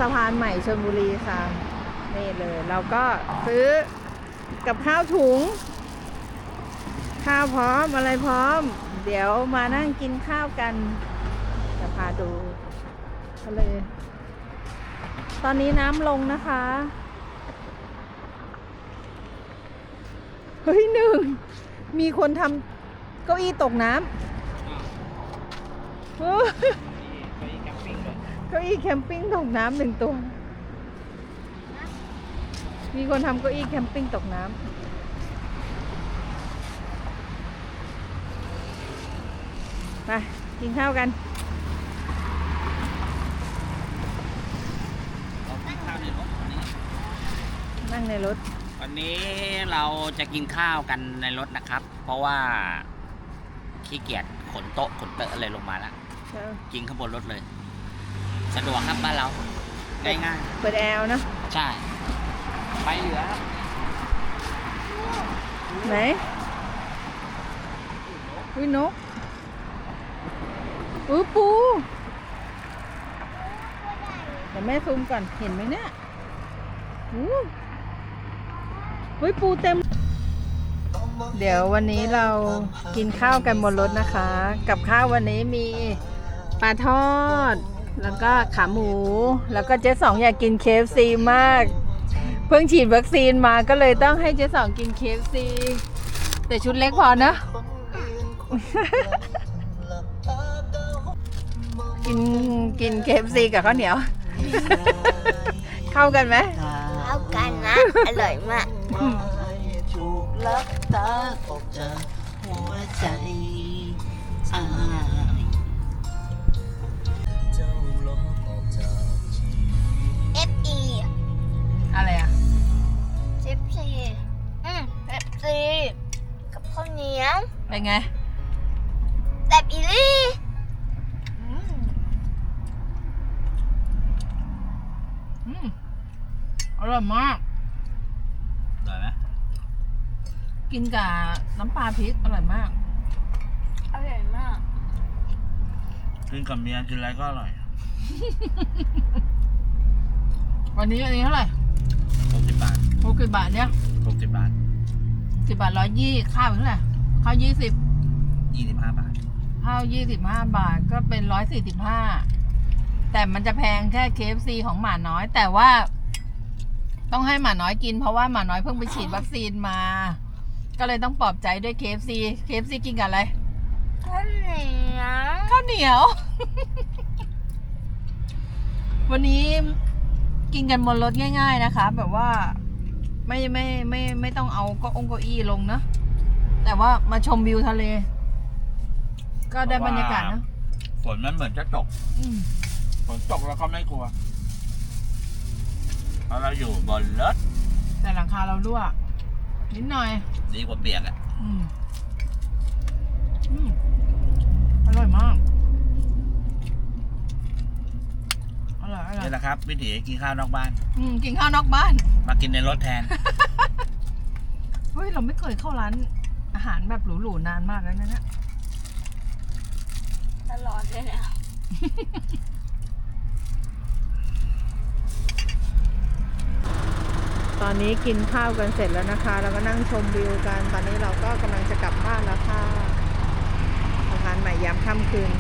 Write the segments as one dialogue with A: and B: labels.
A: สะพานใหม่ชลบุรีค่ะนี่เลยเราก็ซื้อกับข้าวถุงข้าวพร้อมอะไรพร้อมเดี๋ยวมานั่งกินข้าวกันจะพาดูทะเลตอนนี้น้ำลงนะคะเฮ้ยหนึ่งมีคนทำเก้าอี้ตกน้ำเก้าอี้แคมปิ้งตกน้ำหนึ่งตัวมีคนทำเก้าอี้แคมปิ้งตกน้ำไปกินข้าวกันนั่งในรถ
B: วันนี้เราจะกินข้าวกันในรถนะครับ เพราะว่าขี้เกียจขนโต๊ะขนเตอะอะไรลงมาแล้วกินข้างบนรถเลยสะดวกครับบ้านเราง่ายๆ
A: เปิดแอร์นะ
B: ใช่ไปเหลือ
A: ไหนอุ้ยนกปูเดี๋ยวแม่ซูมก่อนเห็นไหมเนี่ยเฮ้ยปูเต็มเดี๋ยววันนี้เรากินข้าวกันบนรถนะคะกับข้าววันนี้มีปลาทอดแล้วก็ขาหมูแล้วก็เจ๊สองอยากกิน KFC มากเพิ่งฉีดวัคซีนมาก็เลยต้องให้เจ๊สองกิน KFC แต่ชุดเล็กพอนะ กิน KFC กับข้าวเหนียว เข้ากันไหม
C: เข้ากันนะ อร่อยมากFE
A: อะไรอ่ะ
C: FC FC กับข้าวเหนียว
A: เป็นไง
C: แบบอีลี่
A: อร่อยมาก
B: อร่อยไหม
A: กินกับน้ำปลาพริกอร่อยมาก
C: อร่อยมาก
B: กินกับเมียกินอะไรก็อร่อย
A: วันนี้เท่าไหร่
B: 60 บาท
A: 60 บาทเนี่ย
B: 60 บาท
A: 10 บาท120ข้าวเท่าไหร่ข้าว
B: 25 บาท
A: ข้าว25 บาทก็เป็น145แต่มันจะแพงแค่ KFC ของหมาน้อยแต่ว่าต้องให้หมาน้อยกินเพราะว่าหมาน้อยเพิ่งไปฉีดวัคซีนมาก็เลยต้องปลอบใจด้วย KFC กินกับอะไร
C: ข้าวเห
A: นียว วันนี้กินกันบนรถง่ายๆนะคะแบบว่าไม่ต้องเอาเก้าอี้ลงนะแต่ว่ามาชมวิวทะเลก็ได้บรรยากาศนะ
B: ฝนมันเหมือนจะตกฝนตกแล้วก็ไม่กลัวเพราะเราอยู่บนรถ
A: แต่หลังคาเรารั่วนิดหน่อย
B: ดีกว่าเปียกอ่ะ
A: อร่อยมากอร่อย
B: นี่แหละครับวิถีกินข้าวนอกบ้าน
A: กินข้าวนอกบ้าน
B: มากินในรถแทน
A: เฮ้ยเราไม่เคยเข้าร้านอาหารแบบหรูๆนานมากแล้วนะเนี่ย
C: ตลอดเลยเนี่ย
A: ตอนนี้กินข้าวกันเสร็จแล้วนะคะแล้วก็นั่งชมวิวกันตอนนี้เราก็กำลังจะกลับบ้านแล้วค่ะสะพานใหม่ยามค่ำคืน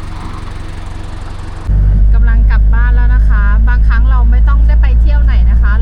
A: กำลังกลับบ้านแล้วนะคะบางครั้งเราไม่ต้องได้ไปเที่ยวไหนนะคะ